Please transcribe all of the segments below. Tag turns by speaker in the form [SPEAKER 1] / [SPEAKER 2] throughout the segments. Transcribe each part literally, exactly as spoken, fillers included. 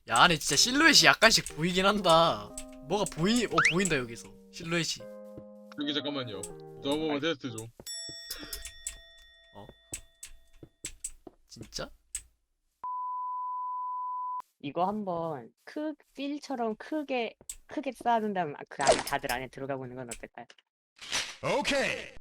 [SPEAKER 1] 야, 안에 진짜 실루엣이 약간씩 보이긴 한다. 뭐가 보이, 어, 보인다, 여기서. 실루엣이.
[SPEAKER 2] 여기 잠깐만요. 저 한 번만 테스트 좀.
[SPEAKER 1] 진짜?
[SPEAKER 3] 이거 한번 크 필처럼 크게 크게 쌓아둔 다음 그 안에 다들 안에 들어가고 있는 건 어떨까요?
[SPEAKER 4] 오케이.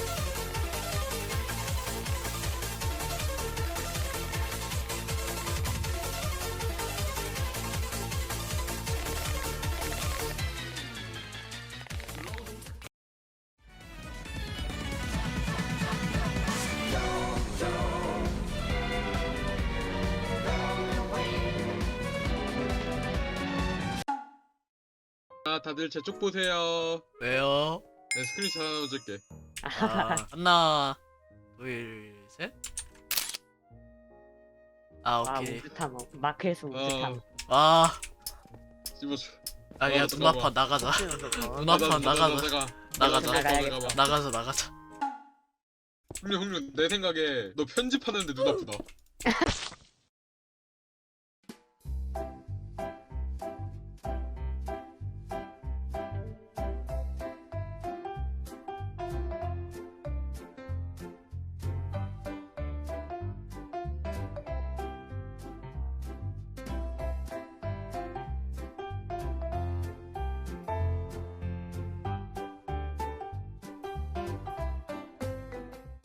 [SPEAKER 2] 자, 다들 제 쪽 보세요.
[SPEAKER 1] 왜요?
[SPEAKER 2] 내 스크린샷 하나 줄게.
[SPEAKER 1] 아, 하나, 둘, 셋. 아,
[SPEAKER 3] 아
[SPEAKER 1] 오케이.
[SPEAKER 3] 우주탐 어, 마크에서 우주탐
[SPEAKER 1] 아,
[SPEAKER 2] 씹어줘.
[SPEAKER 1] 아, 야,
[SPEAKER 2] 어,
[SPEAKER 1] 눈 아파, 나가자. 눈 아파, 나가자. 나가자.
[SPEAKER 3] 나가야겠다.
[SPEAKER 1] 나가자, 나가자.
[SPEAKER 2] 흥룡 흥룡 내 생각에 너 편집하는데 눈 아프다.